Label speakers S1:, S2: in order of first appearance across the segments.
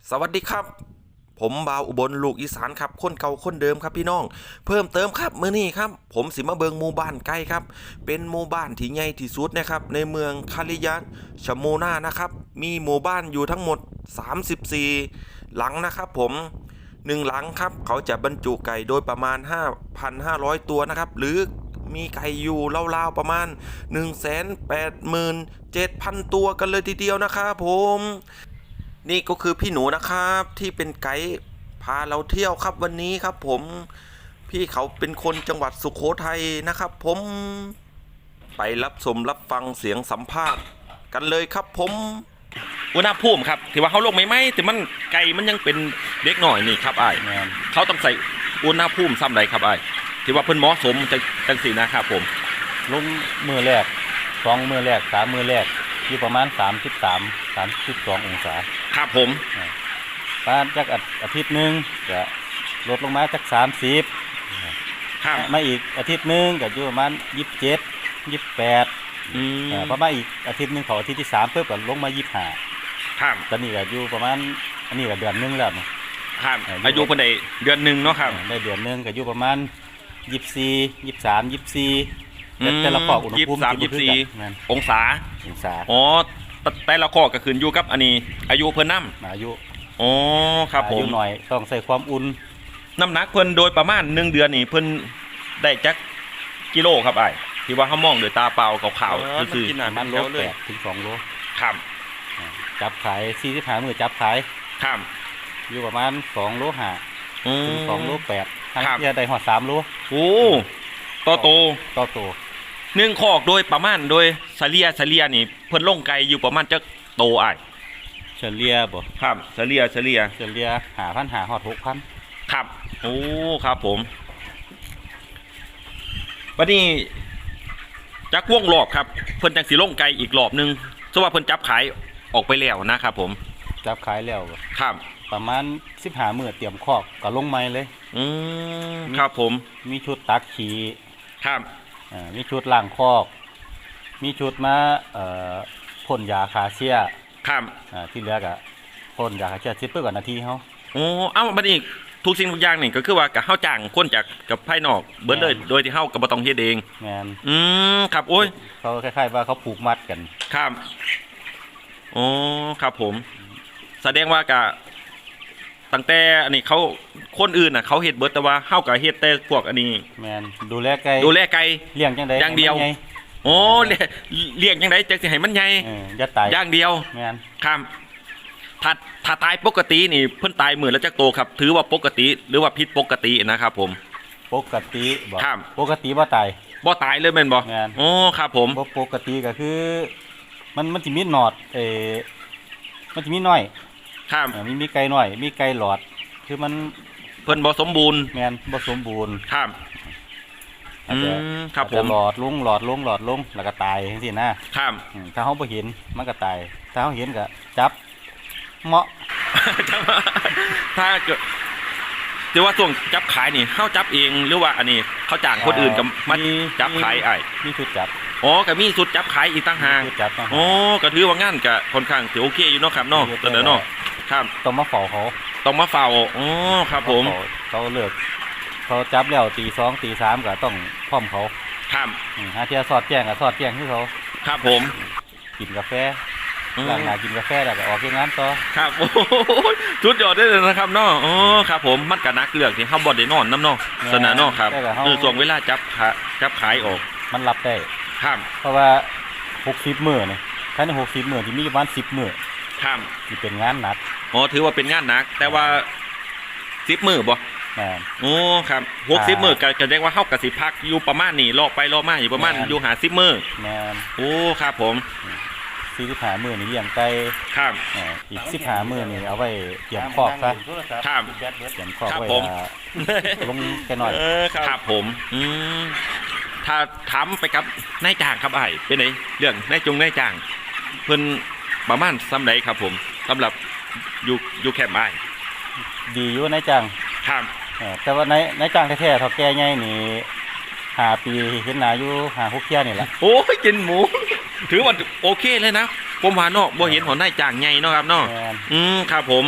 S1: สวัสดีครับผมบ่าวอุบลลูกอีสานครับคนเก่าคนเดิมครับพี่น้องเพิ่มเติมครับมื้อนี้ครับผมสิมาเบิงหมู่บ้านไกลครับเป็นหมู่บ้านที่ใหญ่ที่สุดนะครับในเมืองคาริยะชโมนานะครับมีหมู่บ้านอยู่ทั้งหมด34หลังนะครับผม1หลังครับเขาจะบรรจุไก่โดยประมาณ 5,500 ตัวนะครับหรือมีไก่อยู่ราวๆประมาณ 187,000 ตัวกันเลยทีเดียวนะครับผมนี่ก็คือพี่หนูนะครับที่เป็นไกด์พาเราเที่ยวครับวันนี้ครับผมพี่เขาเป็นคนจังหวัดสุโขทัยนะครับผมไปรับชมรับฟังเสียงสัมภาษณ์กันเลยครับผมอุณหภูมิครับที่ว่าเขาลงไม่แต่มันไก่มันยังเป็นเด็กหน่อยนี่ครับไอ้เขาต้องใส่อุณหภูมิซ้ำใดครับไอ้ที่ว่าเพิ่นเหมาะสมจังสีนะครับผม
S2: ลงมือแรก2มือแรก3มือแรกอยู่ประมาณ32 องศา
S1: ครับผม
S2: ประมาณจักอาทิตย์นึงก็ลดลงมาจัก30
S1: ครับ
S2: มาอีกอาทิตย์นึงก็อยู่ประมาณ27 28ประมาณอีกอาทิตย์นึงของอาทิตย์ที่3เพิ่มก็ลงมา25
S1: ครับ
S2: ตอนนี้ก็อยู่ประมาณอันนี้ก็เดือนนึงแล้ว
S1: ครับอายุเพิ่นได้เดือนนึงเนาะครับ
S2: ได้เดือนนึงก็อยู่ประมาณ24 23 24แต่ละข้ออุณหภูมิ
S1: 23-24องศาอ๋อแต่ละข้อก็ขึ้นอยู่กับอันนี้อายุเพิ่นนำ
S2: อายุ
S1: อ๋อครับผม
S2: อายุหน่อยต้องใส่ความอุ่น
S1: น้ำหนักเพิ่นโดยประมาณ1เดือนนี่เพิ่นได้จักกิโลครับอ้ายที่ว่าเฮามองด้วยตาเปล่าขาวๆซื่อ
S2: ๆมันโล8ถึง2โล
S1: ครับ
S2: จับขาย45มื้อจับขาย
S1: ครับ
S2: อยู่ประมาณ2โล5ถึง2โล8ทั้งที่ได้ฮอด3โล
S1: โอ้ต่อโต1คอกโดยประมาณโดยเฉลี่ยนี่เพิ่นลงไก่อยู่ประมาณจักโตอ้าย
S2: เฉลี่ยบ่
S1: ครับเฉลี่ย
S2: 5,500ฮอด 6,000
S1: ครับโอ้ครับผมบัดนี้จักวงรอบครับเพิ่นจังสิลงไก่อีกรอบนึงเพราะว่าเพิ่นจับขายออกไปแล้วนะครับผม
S2: จับขายแล้ว
S1: ครับ
S2: ประมาณ15มื้อเตรียมคอกก็ลงใหม่เลย
S1: ครับผม
S2: มีชุดตักขี้
S1: ครับ
S2: มีชุดล้างคอกมีชุดมาพ่นยาฆ่าเชื้อ
S1: ครับ
S2: ที่เหลือก็พ่นยาฆ่าเชื้อ10กว่านาทีเฮา
S1: โอ้เอ้าบัดนี้ทุกสิ่งทุกอย่างนี่ก็คือว่ากับเฮาจ้างคนจากกับภายนอกเบิดเลยโดยที่เฮาก็บ่ต้องเฮ็ดเอง
S2: แม่น
S1: ครับโอ้ย
S2: เขาคล้ายๆว่าเขาผูกมัดกัน
S1: ครับอ๋อครับผมแสดงว่าก็ตั้งแต่อันนี้เขาคนอื่นน่ะเขาเฮ็ดเบิดแต่ว่าเฮาก็เฮ็ดแต่พวกอันนี้
S2: แม่นดูแลไก่เลี้ยงจังได๋
S1: อย่างเดียวโอ้เลี้ยงจังได๋จังสิให้มันใหญ่
S2: อย่าตาย
S1: อย่างเดียว
S2: แม่น
S1: ครับถ้าตายปกตินี่เพิ่นตายมื้อละจักโตครับถือว่าปกติหรือว่าผิดปกตินะครับผม
S2: ปกติบ่
S1: ครับ
S2: ปกติบ่ตาย
S1: เลยแม่นบ่อ๋อครับผม
S2: บ่ปกติก็คือมันสิมีหนอดมันสิมีน้อย
S1: ครับ
S2: มีไก่น้อยมีไก่หลอดคือมัน
S1: เพิ่นบ่สมบูรณ์
S2: แม่นบ่สมบูรณ์
S1: ครับครับผม
S2: หลอดลงแล้วก็ตายจังซี่นะครับถ้าเฮาบ่เห็นมันก็ตายถ้าเฮาเห็นก็จับเหมาะ
S1: ถ้าเกิดแต่ว่าช่วงจับขายนี่เฮาจับเองหรือว่าอันนี้เขาจ้างคนอื่นกับมันจับขาย
S2: มีชุดจับ
S1: อ๋อก็มีชุดจับขายอีกต่างหากอ๋อก็ถือว่างั้นก็ค่อนข้างถือโอเคอยู่เนาะครับเนาะตอนนั้นเนาะครับ
S2: ต้องมาเฝ้าเขา
S1: อ๋อครับผม
S2: เขาเลือกเขาจับแล้วตี 2 ตี 3ก็ต้องพร้อมเขา
S1: ครับ
S2: หาเที่ยสอดแจ้งก็สอดแจ้งคือเขา
S1: ครับผม
S2: กินกาแฟหลังกินกาแฟแล้วก็ออกงานต่อ
S1: ครับโอ้ชุดยอดได้เลยนะครับเนาะอ๋อครับผมมันก็นักเลือกที่เฮาบ่ได้นอนนำเนาะสนะเนาะครับช่วงเวลาจับขายออก
S2: มันรับได้
S1: ครับ
S2: เพราะว่า60มื้อนี่ภายใน60มื้อที่มีประมาณ10มื้อ
S1: ครับ
S2: สิเป็นงานหนัก
S1: อ๋อถือว่าเป็นงานหนักแต่ว่า10มื้อบ่โอ้ครับ60มื้อก็แสดงว่าเฮาก็สิพักอยู่ประมาณนี้รอไปรอมาอยู่ประมาณอยู่50มื้อ
S2: แม่น
S1: โอ้ครับผม
S2: 45มื้อนี่เลี้ยงไก่
S1: ครับ
S2: อีก15มื้อนี่เอาไว้เตรียมคอกซะ
S1: ครับ
S2: เตรียมคอกไว้ลงแค่น้อย
S1: ครับผมถ้าถามไปกับนายจ้างครับอ้ายเป็นไงเรื่องนายจ้างเพิ่นประมาณส่ำใดครับผมสำหรับอยู่แคมป์อ้าย
S2: ดีอยู่นายจ้าง
S1: ครับ
S2: แต่ว่านายจ้างแท้ๆเฒ่าแก่ใหญ่นี่5 ปีเห็นหน้าอยู่5-6 เที่ยนี่แหละ
S1: โอ้ยกินหมูถือว่าโอเคเลยนะผมว่าเนาะบ่เห็นหัวนายจ้างใหญ่เนาะครับเนาะครับผม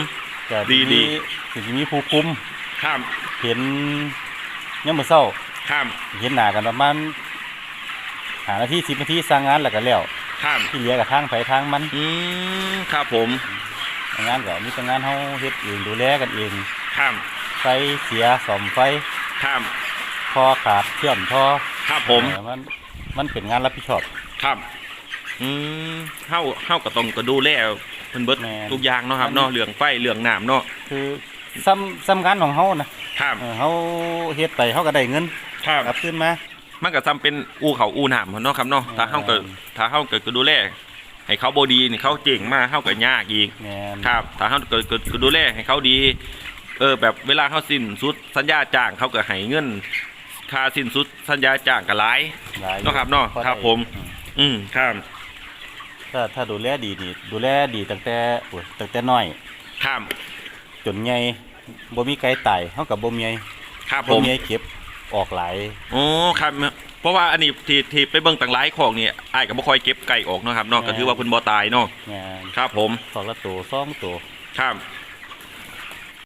S2: ก็
S1: ดี
S2: สิมีผู้คุม
S1: ครับ
S2: เห็นยามมื้อเช้า
S1: ครับ
S2: เห็นหน้ากันประมาณ5นาที10นาทีสร้างงานแล้วก็แล้ว
S1: ครับ
S2: ที่เหลือก็ทางไผทางมัน
S1: ครับผม
S2: งานก็มีแต่งานเฮาเฮ็ดเองดูแลกันเอง
S1: ครับ
S2: ไฟเสียซ่อมไฟ
S1: ครับ
S2: ท่อขาดเชื่อมท่อ
S1: ครับผม
S2: มันเป็นงานรับผิดชอบ
S1: ครับเฮาก็ต้องก็ดูแลเพิ่นเบิด
S2: แม่น
S1: ทุกอย่างเนาะครับเนาะเรื่องไฟเรื่องน้ำเนาะ
S2: คือซ้ำงานของเฮานะครับ เฮาเฮ็ดไปเฮาก็ได้เงิน
S1: ครับ
S2: กลับคืนมา
S1: มันก็จำเป็นอู่เขาอู่น้ำเนาะครับเนาะถ้าเฮาก็ดูแลให้เขาบ่ดีนี่เขาเจ๋งมากเฮาก็ยากอีก
S2: แม่น
S1: ครับถ้าเขาก็ดูแลให้เขาดี แบบเวลาเขาสิ้นสุดสัญญาจ้างเขาก็ให้เงินค่าสิ้นสุดสัญญาจ้างก็หลาย
S2: หลาย
S1: เนาะครับเนาะ
S2: พอได้
S1: ครับผม ครับ
S2: ถ้าดูแลดีนี่ดูแลดีตั้งแต่น้อย
S1: ครับ
S2: จนใหญ่บ่มีไก่ตายเฮาก็บ่มี
S1: ครับผ
S2: บ่
S1: ม
S2: มีเก็บออกหลาย
S1: โอ้ครับเพราะว่าอันนี้ที่ไปเบิ่งต่างหลายของนี่อ้ายก็บ่ค่อยเก็บไก่ออกเนาะครับเนาะก็ถือว่าเพิ่นบ่ตายเนาะ
S2: แม่น
S1: ครับผม
S2: สองละตัว2ตัว
S1: ครับ